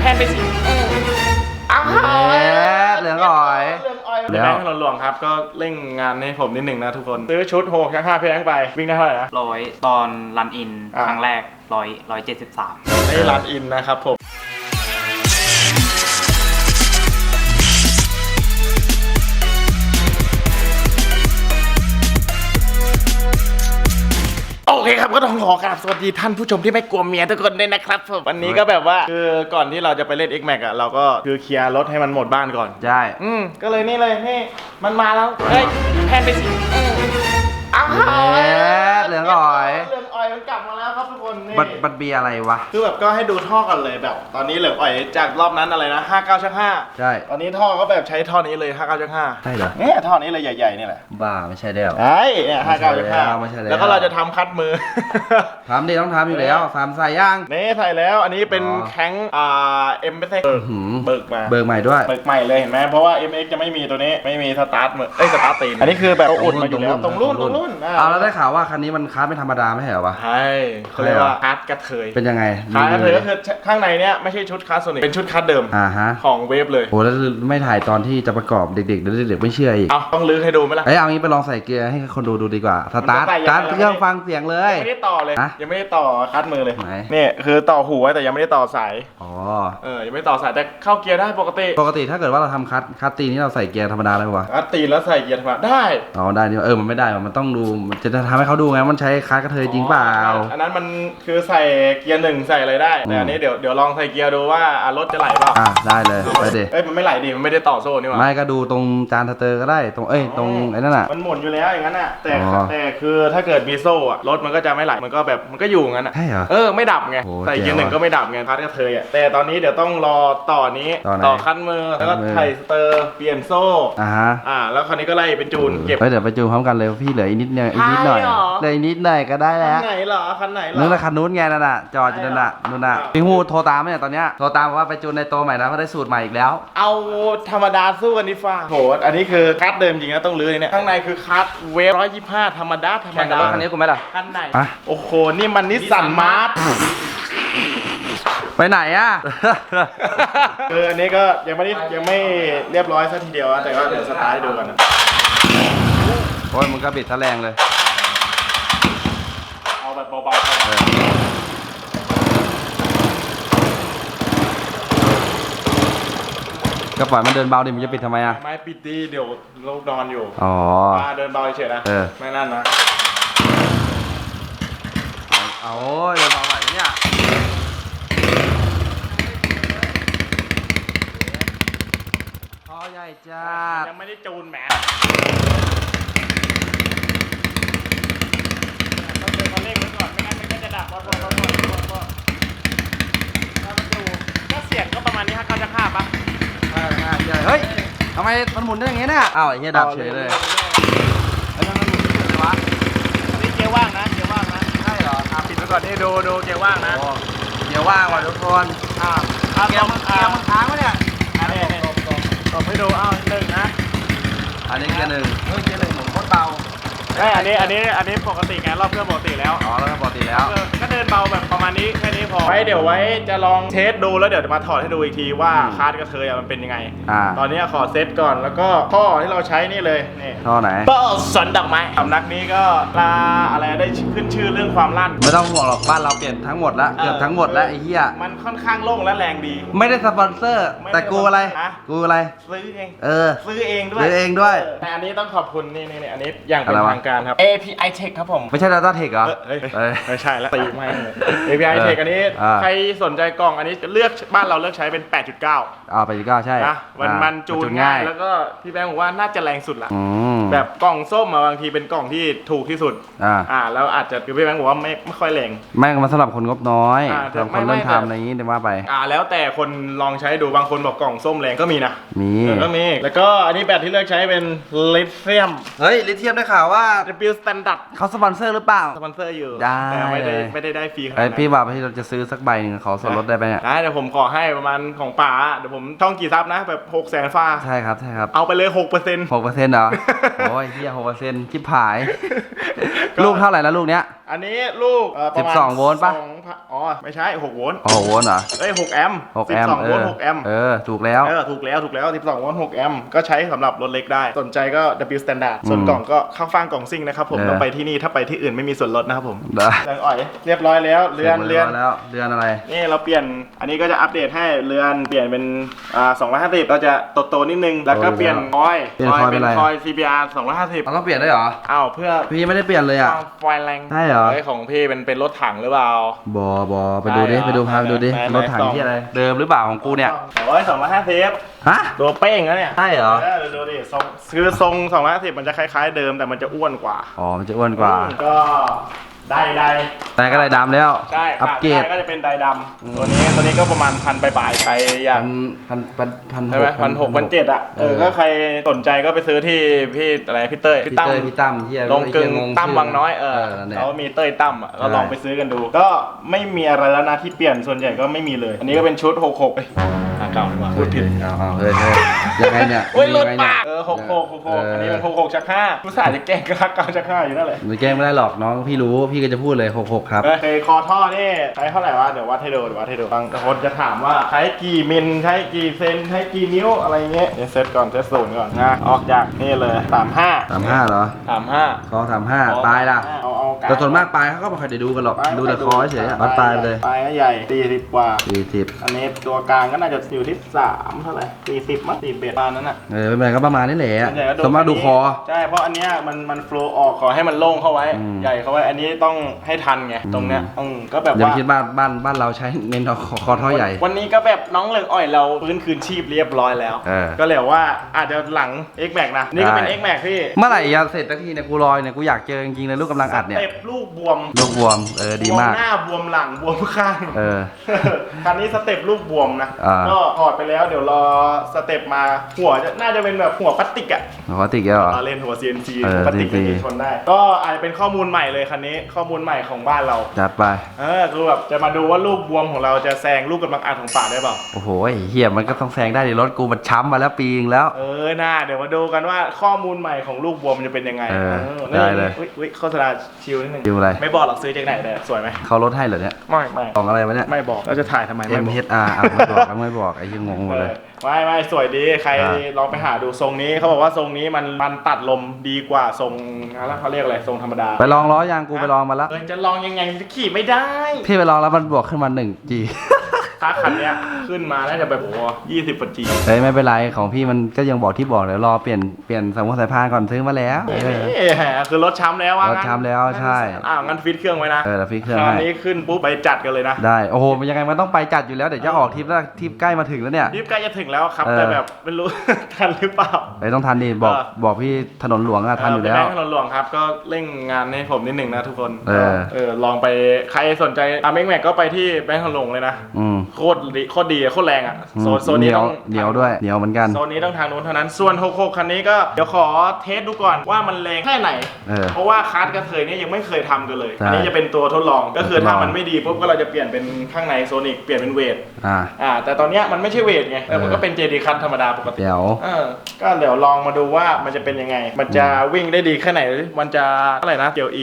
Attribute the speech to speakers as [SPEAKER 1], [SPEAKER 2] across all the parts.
[SPEAKER 1] นไปสิอ้าว
[SPEAKER 2] เหลืองอ่อย
[SPEAKER 1] แบงค์ถนนหลวงครับก็เร่งงานให้ผมนิดหนึ่งนะทุกคนซื้อชุดโฮก5 แพงไปวิ่งได้เท่าไหร่นะ
[SPEAKER 3] 100ตอนรันอินครั้งแรก173
[SPEAKER 1] ได้รันอินนะครับผมโอเคครับก็ต้องขอกราบสวัสดีท่านผู้ชมที่ไม่กลัวเมียทุกคนด้วยนะครับผมวันนี้ก็แบบว่าคือก่อนที่เราจะไปเล่น X Max อ่ะเราก็คือเคลียร์รถให้มันหมดบ้านก่อน
[SPEAKER 2] ใช่
[SPEAKER 1] ก็เลยนี่เลยนี่มันมาแล้วเฮ้ยแพนไปสิอ้าว
[SPEAKER 2] เหลืองอ่อย
[SPEAKER 1] มันกลับมาแล้วครับทุกคนนี่
[SPEAKER 2] บัตเบียอะไรวะ
[SPEAKER 1] คือแบบก็ให้ดูท่อกันเลยแบบตอนนี้เหลืองอ่อยจากรอบนั้นอะไรนะ59/5
[SPEAKER 2] ใช่
[SPEAKER 1] ตอนนี้ท่อก็แบบใช้ท่อนี้เลย59/5
[SPEAKER 2] ใช่เหรอ
[SPEAKER 1] เนี่ยท่อนี้เลยใหญ่ๆนี่แหละ
[SPEAKER 2] บ้าไม่ใช่แล้ว
[SPEAKER 1] ไอ้เนี่ย59/5แล้วก็เราจะทำคัดมือ
[SPEAKER 2] ทำดิต้องทำอยู่แล้ว3ใส่ย่าง
[SPEAKER 1] นี่ใส่แล้วอันนี้เป็นแข้งเอ็มเบิกมา
[SPEAKER 2] เบิกใหม่ด้วย
[SPEAKER 1] เบิกใหม่เลยเห็นไหมเพราะว่า MX จะไม่มีตัวนี้ไม่มีสตาร์ทมือสตาร์ทตีนอันนี้คือแบบอุ่นมาอยู่แล้วตรงรุ่น
[SPEAKER 2] แล้วได้ข่าวว่าคันนี้มันคัสไม่ธรรมดาไม่ใช่เหรอวะ
[SPEAKER 1] ใช่เขาเรียกว่าคัสกระเทย
[SPEAKER 2] เป็นยังไง
[SPEAKER 1] คัสกระเทยก็คือข้างในเนี้ยไม่ใช่ชุดคัสโซนิกเป็นชุดคัสเดิมของเวฟเลย
[SPEAKER 2] โอ้แล้วไม่ถ่ายตอนที่จะประกอบเด็กๆไม่เชื่ออีก
[SPEAKER 1] ต้องลื้อให้ดูไหมล่ะ
[SPEAKER 2] เอางี้ไปลองใส่เกียร์ให้คนดูดีกว่าสตาร์ทเครื่องฟังเสียงเลย
[SPEAKER 1] ไม่ได้ต่อเลยยังไม่ได้ต่อคัสมือเลยนี่คือต่อหูไว้แต่ยังไม่ได้ต่อสายยังไม่ต่อสายแต่เข้าเกียร์ได้ปกติ
[SPEAKER 2] ถ้าเกิดว่าเราทำคัสตีนี่เราใส่เกียร์ธรรมดาได้ปะวะ
[SPEAKER 1] คัสตีแล้วใส่เกียร์ธรรมดาได้
[SPEAKER 2] ได้นี่มันไม่ได้มันต้องดูจะทำให้เขาดูไงมันใช้คัสกระเทยจริงเปล่า
[SPEAKER 1] อันนั้นมันคือใส่เกียร์1ใส่อะไรได้แต่อันนี้เดี๋ยวลองใส่เกียร์ดูว่ารถจะไหลเปล่า
[SPEAKER 2] ได้เลยไปดิ
[SPEAKER 1] มันไม่ไหลดิมันไม่ได้ต่อโซ่นี่หว่า
[SPEAKER 2] ไม่ก็ดูตรงจานสเตอร์ก็ได้ตรงไอ้นั่นน่ะ
[SPEAKER 1] มันหมุนอยู่แล้วอย่างนั้นน่ะแต่คือถ้าเกิดมีโซ่รถมันก็จะไม่ไหลมันก็แบบมันก็อยู่งั้นน่ะ
[SPEAKER 2] ใช่เหรอ
[SPEAKER 1] ไม่ดับไงใส่เกียร์1ก็ไม่ดับไงคัสกระเทยแต่ตอนนี้เดี๋ยวต้องรอต่อนี้ต่อคันมือแล้วก็ไถ่สเตอร์เปลี่ยนโซ่แล้วคราวนี้ก็ไล่เป็นจูนเก็บ
[SPEAKER 2] เดี๋ยวไปจูนพร้อมกันเลยพี่เหลืออีกนิดหน่อยเลยนิดหน่อยก็ได้แล้ว
[SPEAKER 1] คันไหนเหรอคันไหนเหรอ
[SPEAKER 2] นึกว่าคันนู้นไงนั่นน่ะจอดอยู่นั่นน่ะพี่ฮูโทรตามเนี่ยตอนเนี้ยโทรตามว่าไปจูนในโตใหม่นะเพราะได้สูตรใหม่อีกแล้ว
[SPEAKER 1] เอาธรรมดาสู้กันดิฟ้าโหอันนี้คือคัสเดิมจริงนะต้องลื้อเนี่ยข้างในคือคัสเวฟ125ธรรมดา
[SPEAKER 2] คันนี้กูไหมล่ะ
[SPEAKER 1] คันไหนโอ้โหนี่มันนิสสันมาร์ท
[SPEAKER 2] ไปไหนอ่ะ
[SPEAKER 1] คืออันนี้ก็ยังไม่เรียบร้อยซะทีเดียวแต่ก็เดี๋ยวสตาร์ทให้ดูกันนะ
[SPEAKER 2] โอ้ยมึงก็บิดทะแรงเลย
[SPEAKER 1] เอาแบบเบา
[SPEAKER 2] ก็ปล่อยมันเดินเบาดิมันจะปิดทำไมอ่ะ
[SPEAKER 1] ไม่ปิดดีเดี๋ยวเรานอนอยู่เดินเบาเฉยนะไม่นั่นนะ
[SPEAKER 2] เอาเดินเบาไหวเนี่ยท่อใหญ่จ้า
[SPEAKER 1] ยังไม่ได้จูนแหมต้องเดินมาเร่งไว้ก่อนไม่งั้นมันก็จะดับพอถ้ามันดูก็เสียงก็ประมาณนี้59/5ป่ะ
[SPEAKER 2] เฮ้ยทำไมมันหมุนได้อย่างงี้เนี่ยอ้าวไอ้เหี้ยดับเฉยเลย
[SPEAKER 1] แล้วมันหมุนเลยวะอันนี้เกียร์ว่างนะ
[SPEAKER 2] ใช่เหรอ
[SPEAKER 1] ปิดไว้ก่อนนี่ดูเกียร์ว่างนะ
[SPEAKER 2] เกียร์ว่างว่ะทุกคนเกียร์มันค้างวะเนี่ย
[SPEAKER 1] ตบให้ดู1นะ
[SPEAKER 2] อันนี้เกียร์1เกียร์1ผมโคตรเบา
[SPEAKER 1] อันนี้ปกติไงรอบเครื่องปกติแล้ว
[SPEAKER 2] แล้วปกติแล้ว
[SPEAKER 1] ก็เดินเบาแบบประมาณนี้แค่นี้พอเดี๋ยวไว้จะลองเทสดูแล้วเดี๋ยวจะมาถอดให้ดูอีกทีว่าคัสกระเทยมันเป็นยังไงตอนนี้ขอเซตก่อนแล้วก็ท่อที่เราใช้นี่เลยนี่
[SPEAKER 2] ท่อไหน
[SPEAKER 1] สวนดอกไม้สำนักนี้ก็อะไรได้ขึ้นชื่อเรื่องความลั่น
[SPEAKER 2] ไม่ต้องห่วงหรอกบ้านเราเปลี่ยนทั้งหมดแล้วเกือบทั้งหมดแล้วไอ้เหี้ย
[SPEAKER 1] มันค่อนข้างโล่งและแรงดี
[SPEAKER 2] ไม่ได้สปอนเซอร์แต่กูอะไร
[SPEAKER 1] ซื้อเอง
[SPEAKER 2] ซื้อเอง
[SPEAKER 1] ด้วยแต่อันนี้ต้องขอบคุณนี่อันนี้อย่างเป็นทางการครับ API Tech ครับผม
[SPEAKER 2] ไม่ใช่ Data Tech เหรอ
[SPEAKER 1] ไม่ใช่แล้วตีไม่ API Tech อันนี้ใครสนใจกล่องอันนี้เลือกบ้านเราเลือกใช้เป็น 8.9
[SPEAKER 2] 8.9 ใช่
[SPEAKER 1] นะมันจูนง่ายแล้วก็พี่แบงค์บอกว่าน่าจะแรงสุดละแบบกล่องส้มบางทีเป็นกล่องที่ถูกที่สุดแล้วอาจจะพี่แบงค์บอกว่าไม่ค่อยแรง
[SPEAKER 2] ไม่มาสำหรับคนงบน้อยสำหรับคนเริ่มทำอะไรอย่างนี้เดี๋ยวว่าไป
[SPEAKER 1] แล้วแต่คนลองใช้ดูบางคนบอกกล่องส้มแรงก็มีนะก็มีแล้วก็อันนี้แบตที่เลือกใช้เป็นลิเธียม
[SPEAKER 2] ลิเธียมได้ข่าวว่า
[SPEAKER 1] W Standard
[SPEAKER 2] เขาสปอนเซอร์หรือเปล่า
[SPEAKER 1] สปอนเซอร์อยู่
[SPEAKER 2] แต่
[SPEAKER 1] ไม่ได้ฟรีขนาดนั้น
[SPEAKER 2] พี่บอกพี่เราจะซื้อสักใบหนึ่งขอส่วนลดได้ไหมเนี่ย
[SPEAKER 1] ได้เดี๋ยวผมขอให้ประมาณของป๋าเดี๋ยวผมช่องกี่ซับนะแบบ600,000ฟ้า
[SPEAKER 2] ใช่ครับ
[SPEAKER 1] เอาไปเลย 6%
[SPEAKER 2] เหรอโอ้ยเฮีย6%ชิบหาย ลูกเท่าไหร่แล้วลูกเนี้ย
[SPEAKER 1] อันนี้ลูกประมาณ
[SPEAKER 2] 12 โวลต์ปะ
[SPEAKER 1] อ๋อไม่ใช่6โวลต์
[SPEAKER 2] อ๋อโวลต์เหรอ
[SPEAKER 1] เอ้ย6แอมป์
[SPEAKER 2] 6 แอมป์
[SPEAKER 1] 12โวลต์6แอมป์
[SPEAKER 2] ถูกแล้ว
[SPEAKER 1] ถูกแล้ว12โวลต์6แอมป์ก็ใช้สำหรับรถเล็กได้สนใจก็ W Standard ส่วนกล่องก็ข้างฟางกล่องซิ่งนะครับผมต้องไปที่นี่ถ้าไปที่อื่นไม่มีส่วนลดนะครับผม
[SPEAKER 2] ได้
[SPEAKER 1] เรือนอ่อยเรียบร้อยแล้วเรือน
[SPEAKER 2] แล้วเรือนอะไร
[SPEAKER 1] นี่เราเปลี่ยนอันนี้ก็จะอัปเดตให้เรือนเปลี่ยนเป็น250เราจะโตนิดนึงแล้วก็เปลี่ยนคอย
[SPEAKER 2] เปลี่ยนคอยเป็นอะไร
[SPEAKER 1] คอย CBR 250
[SPEAKER 2] เราต้องเปลี่ยนได้วยเหรอ
[SPEAKER 1] อ้าวเพื่อ
[SPEAKER 2] พี่ไม่ได้เปลี่ยนเลยอ่ะ
[SPEAKER 1] ไฟแรง
[SPEAKER 2] ใช่เหรอ
[SPEAKER 1] ของพี่เป็นรถถังหรือเปล่า
[SPEAKER 2] บอไปดูดิ
[SPEAKER 1] ได้เหรอ
[SPEAKER 2] ไปดูพาไปดูดิ
[SPEAKER 1] ไหน
[SPEAKER 2] รถถังที่อะไรเดิมหรือเปล่าของกูเนี่ย
[SPEAKER 1] 250
[SPEAKER 2] ฮะ
[SPEAKER 1] ตัวเป้งแล้วเนี่ย
[SPEAKER 2] ใช่เหรอ
[SPEAKER 1] ดูดิทรงคือทรง250มันจะคล้ายๆเดิมแต่มันจะอ้วนกว่า
[SPEAKER 2] อ๋อมันจะอ้วนกว่า
[SPEAKER 1] ก็ได้
[SPEAKER 2] แต่ก็ได้ดำแล้ว
[SPEAKER 1] ใช่
[SPEAKER 2] อัปเกรด
[SPEAKER 1] ก็จะเป็นไดดำตัวนี้ก็ประมาณ1,000ปลายๆใครอยาก
[SPEAKER 2] พัน
[SPEAKER 1] ใช่ไหม1,600 1,700อ่ะก็ใครสนใจก็ไปซื้อที่พี่อะไรพี่เต้ย
[SPEAKER 2] พี่เต้ยพี่ตั้มที่
[SPEAKER 1] ลงกึ่งตั้มบางน้อย
[SPEAKER 2] นั่นแหละ
[SPEAKER 1] เขามีเต้ยตั้มอ่ะก็ลองไปซื้อกันดู ก็ไม่มีอะไรแล้วนะที่เปลี่ยนส่วนใหญ่ก็ไม่มีเลย อันนี้ก็เป็นชุด66เก่าดีกว่าพูดผิด
[SPEAKER 2] เฮ้ยยังไงเนี่ย
[SPEAKER 1] โอ้ยรถ
[SPEAKER 2] ยังไง
[SPEAKER 1] ปา
[SPEAKER 2] เนี่ย
[SPEAKER 1] ก66อันนี้มัน66ชัก5ผู้สายจะแกล้งก็รักเก่าชัก5อยู่นั่นแหละ
[SPEAKER 2] ไม่แกล้งไม่ได้หรอกน้องพี่รู้พี่ก็จะพูดเลย66ครับ
[SPEAKER 1] เคยคอท่อนี่ใช้เท่าไหร่วะเดี๋ยววัดให้ดูบางคนจะถามว่าใช้กี่มิลใช้กี่เซนใช้กี่นิ้วอะไรเงี้ยเซตก่อนเซตศูนย์ก่อนนะออกจากนี่เลย35
[SPEAKER 2] เหรอ
[SPEAKER 1] 35
[SPEAKER 2] คอ35ปลายล่ะ
[SPEAKER 1] เอา
[SPEAKER 2] แต่ส่วนมากปลายเขาก็ไม่ค่อยได้ดูกันหรอกดูแต่คอเฉยๆวัดปลายไปเลย
[SPEAKER 1] ปลายก็ใหญ่40กว่า
[SPEAKER 2] 40
[SPEAKER 1] อันนี้ตัวกลางก็น่าจะอยู่ที่3เท่าไหร่40มั้ง41ประมาณนั้นน่ะ
[SPEAKER 2] ไม่เป็นไรก็ประมาณนี้แหละ
[SPEAKER 1] ส่วนใหญ่ก็
[SPEAKER 2] ส่วนมากดูคอ
[SPEAKER 1] ใช่เพราะอันเนี้ยมันโฟล์ออกขอให้มันโล่งเข้าไว้ ใหญ่เข้าไว้อันนี้ต้องให้ทันไงตรงเนี้ยก็แบบ
[SPEAKER 2] อย่า
[SPEAKER 1] ว่า
[SPEAKER 2] คิดบ้านเราใช้เน้นคอท่อใหญ่
[SPEAKER 1] วันนี้ก็แบบน้องเหลืองอ่อยเราฟื้นคืนชีพเรียบร้อยแล้ว ก็เลยว่าอาจจะหลัง X Max นะนี่ก็เป็น X Max พี่
[SPEAKER 2] เมื่อไหร่จะเสร็จสักทีเนี่ยกูรอเนี่ยกูอยากเจอจริงๆเลยลูกกำลังอัดเนี่ย
[SPEAKER 1] เต็บลูกบวม
[SPEAKER 2] ลูกบวมดีมาก
[SPEAKER 1] บวหน้าบวมหลังบวมข้าง คันนี้สเต็ปลูกบวมนะก็ถอดไปแล้วเดี๋ยวรอสเต็ปมาหัวน่าจะเป็นแบบหัวพลาสติกอ่ะ
[SPEAKER 2] หัวพลาสติกแล้วเหรอ
[SPEAKER 1] เล่นหัว CNC หัวพลาสติกที่ชนได้ ก็อาจจะเป็นข้อมูลใหม่เลยคันนี้ข้อมูลใหม่ของบ้านเรา
[SPEAKER 2] จัดไป
[SPEAKER 1] คือแบบจะมาดูว่าลูกบวมของเราจะแซงลูกกำลังอัดของป่าได้เปล่า
[SPEAKER 2] โอ้โหเฮียมันก็ต้องแซงได้ดิรถกูมันช้ำมาแล้วปีนึงแล้ว
[SPEAKER 1] น่าเดี๋ยวมาดูกันว่าข้อมูลใหม่ของลูกบวมมันจะเป็นยังไง
[SPEAKER 2] ได้เลย
[SPEAKER 1] อุ๊ยโฆษณาชิลนิดนึง
[SPEAKER 2] ชิลอะไร
[SPEAKER 1] ไม่บอกหรอกซื้อจากไหนเลยสวยไหม
[SPEAKER 2] เขาลดให้เหรอเนี่ย
[SPEAKER 1] ไม่
[SPEAKER 2] ของอะไรวะเนี่ย
[SPEAKER 1] ไม่บอกเราจะถ่ายทำไมไม่บอก
[SPEAKER 2] MHR ไม่บอกไอ้ยังงงหมดเลย
[SPEAKER 1] ไม่สวยดีใครลองไปหาดูทรงนี้เขาบอกว่าทรงนี้มันตัดลมดีกว่าทรงอะไรเขาเรียกอะไรทรงธรรมดา
[SPEAKER 2] ไปลองล้อยางกูไปลองมาแล้ว
[SPEAKER 1] จะลองยังไงขี่ไม่ได้
[SPEAKER 2] พี่ไปลองแล้วมันบวกขึ้นมา1G
[SPEAKER 1] ถ้าคันเนี้ยขึ้นมาน่าจะแบบ20 G
[SPEAKER 2] เฮ้ยไม่เป็นไรของพี่มันก็ยังบอกที่บอกเดี๋ยวรอเปลี่ยนสายพานก่อนซื้อมาแล้ว
[SPEAKER 1] คือรถช้ำแล้วว่าร
[SPEAKER 2] ถช้ำแล้วใช่
[SPEAKER 1] งั้นฟิตเครื่องไว้นะ
[SPEAKER 2] แล้วพี่เครื่อง
[SPEAKER 1] คราว
[SPEAKER 2] ให้
[SPEAKER 1] นี้ขึ้นปุ๊บไปจัดกันเลยนะ
[SPEAKER 2] ได้โอ้โหมันยังไงมันต้องไปจัดอยู่แล้วเดี๋ยวจะออกทริปแล้วทริปใกล้มาถึงแล้วเนี่ย
[SPEAKER 1] รีบใกล้จะถึงแล้วครับแต่แบบไม่รู้ ทันหรือเปล่า
[SPEAKER 2] ต้องทันดิบอกพี่ถนนหลวงอะทันอยู่แล้ว
[SPEAKER 1] ถนนหลวงครับก็เร่งงานให้ผมนิดหนึ่งนะทุกคน ลองไปใครสนใจตามแม็กก็ไปที่แบงค์ถนนหลวงเลยนะโคตรดีโคตรแรงอ่ะโซนนี้ต้อง
[SPEAKER 2] เหนียวด้วยเหนียวเหมือนกัน
[SPEAKER 1] โซนนี้ต้องทางนู้นเท่านั้นส่วน66คันนี้ก็เดี๋ยวขอเทสดูก่อนว่ามันแรงแค่ไหนเพราะว่าคาร์ดกระเทยเนี่ยยังไม่เคยทำกันเลยอันนี้จะเป็นตัวทดลองก็คือถ้ามันไม่ดีปุ๊บก็เราจะเปลี่ยนเป็นข้างในโซนิกเปลี่ยนเป็นเวทแต่ตอนเนี้ยมันไม่ใช่เวทไงแต่มันก็เป็น JD คัทธรรมดาปกติ
[SPEAKER 2] เดี๋ยว
[SPEAKER 1] ก็เดี๋ยวลองมาดูว่ามันจะเป็นยังไงมันจะวิ่งได้ดีแค่ไหนมันจะเท่าไหร่นะเกียวอี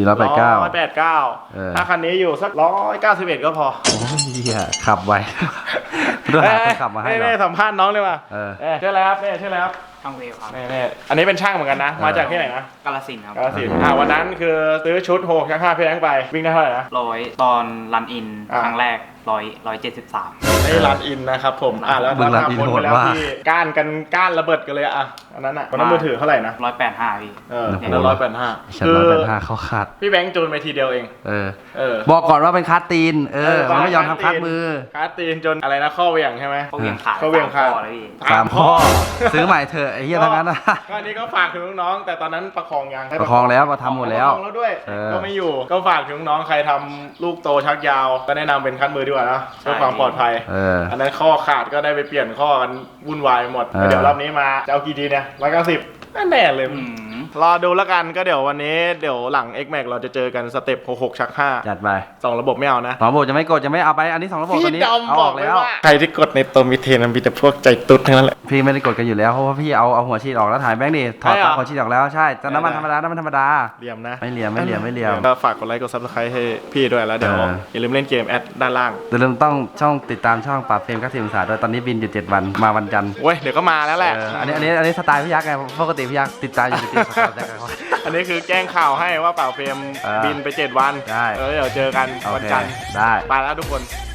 [SPEAKER 1] 189ถ้าคันนี้อยู่สัก191ก็พอ
[SPEAKER 2] โอ้ยเหี้ยขับไวด้วยขับมาให้เรา
[SPEAKER 1] สัมภาษณ์น้องเลยว่ะชื่ออะไรครับชื่ออะไรครับ
[SPEAKER 3] ช่างเวลครับ
[SPEAKER 1] อันนี้เป็นช่างเหมือนกันนะมาจากที่ไหนนะ
[SPEAKER 3] กาฬสินธุ์ครับ
[SPEAKER 1] กาฬสินธุ์วันนั้นคือซื้อชุด6ชัก5เพลงไปวิ่งได้เท่าไหร่นะ
[SPEAKER 3] 100ตอนรันอินครั้งแรก173
[SPEAKER 1] นี่รันอินนะครับผมแล้วราคาพ้นไปแล้วที่ก้านระเบิดกันเลยอันนั้นวันนั้นมือถือเท่าไหร่นะ
[SPEAKER 3] 185พี่
[SPEAKER 1] แล้ว185
[SPEAKER 2] ฉัน185เขาขาด
[SPEAKER 1] พี่แบงค์จูนไปทีเดียวเอง
[SPEAKER 2] บอกก่อนว่าเป็นคัสตีนมันไม่ยอมทำคัสมือ
[SPEAKER 1] คัสตีนจนอะไรนะข้อเหวี่ยงใช่ไหม
[SPEAKER 3] ข้อเหวี่ยงขาดเลยพี่
[SPEAKER 2] 3 ข้อซื้อใหม่เถอะไอ้เหี้ยทั้งนั้นนะ
[SPEAKER 1] ก็อันนี้ก็ฝากถึงน้องๆแต่ตอนนั้นประคองยัง
[SPEAKER 2] ประคองแล้วมาทำหมดแล้ว
[SPEAKER 1] ด้วยก็ไม่อยู่ก็ฝากถึงน้องใครทำลูกโตชักยาวก็แนะนำเป็นคัสมือดีกว่านะเพื่อความปลอดภัยอันนั้นข้อขาดก็ได้ไปเปลี่ยนข้อกันวุ่นวายหมดเดี๋ยวรอบนี้มาจะเอากี่ดีเนี่ย190แน่เลยรอดูแล้วกันก็เดี๋ยววันนี้เดี๋ยวหลัง X Max เราจะเจอกันสเต็ป66ชัก5
[SPEAKER 2] จัดไป
[SPEAKER 1] 2ระบบไม่เอานะ
[SPEAKER 2] 2 ระบบจะไม่กดจะไม่เอาไปอันนี้2 ระบบตัวนี้
[SPEAKER 1] พี่ดอม
[SPEAKER 2] เอา
[SPEAKER 1] บ
[SPEAKER 2] อ
[SPEAKER 1] อ
[SPEAKER 2] อก ก
[SPEAKER 1] เลย
[SPEAKER 2] แล้ว
[SPEAKER 1] ว่าใครที่กดในตัวมิเทนมันมีแต่พวกใจตุ๊ดทั้งนั้นแหละ
[SPEAKER 2] พี่ไม่ได้กดกันอยู่แล้วเพราะว่าพี่เอาหัวฉีดออกแล้วถ่ายแบงค์ดิถอด
[SPEAKER 1] ใช่เหรอ
[SPEAKER 2] หัวฉีดออกแล้วใช่แต่น้ำมันธรรมดา
[SPEAKER 1] เหลี่ยมนะ
[SPEAKER 2] ไม่เหลี่ยม
[SPEAKER 1] ก็ฝากกดไลค์กด Subscribe ให้พี่ด้วยแล้วเดี๋ยวอย่าลืมเล่นเกมแอดด้านล่าง
[SPEAKER 2] อย่าลืมต้องช่องติดตามช่องปราบเฟรม90 องศาด้วยตอนนี้บินอยู่7 วันมาวันจันทร์
[SPEAKER 1] เว้ยเดี๋ยวก็มาแล้วแหละ
[SPEAKER 2] อันนี้สไตล์พี่ยักษ์ไงปกติพี่ยักษ์ติดตามอยู่ติดๆสไตล์เขา
[SPEAKER 1] อันนี้คือแจ้งข่าวให้ว่าเป่าเฟรมบินไป7 วัน
[SPEAKER 2] ได้
[SPEAKER 1] เดี๋ยวเจอกัน
[SPEAKER 2] โอ
[SPEAKER 1] วัน
[SPEAKER 2] เค
[SPEAKER 1] จันทร์
[SPEAKER 2] ได้
[SPEAKER 1] ไปแล้วทุกคน
[SPEAKER 2] บ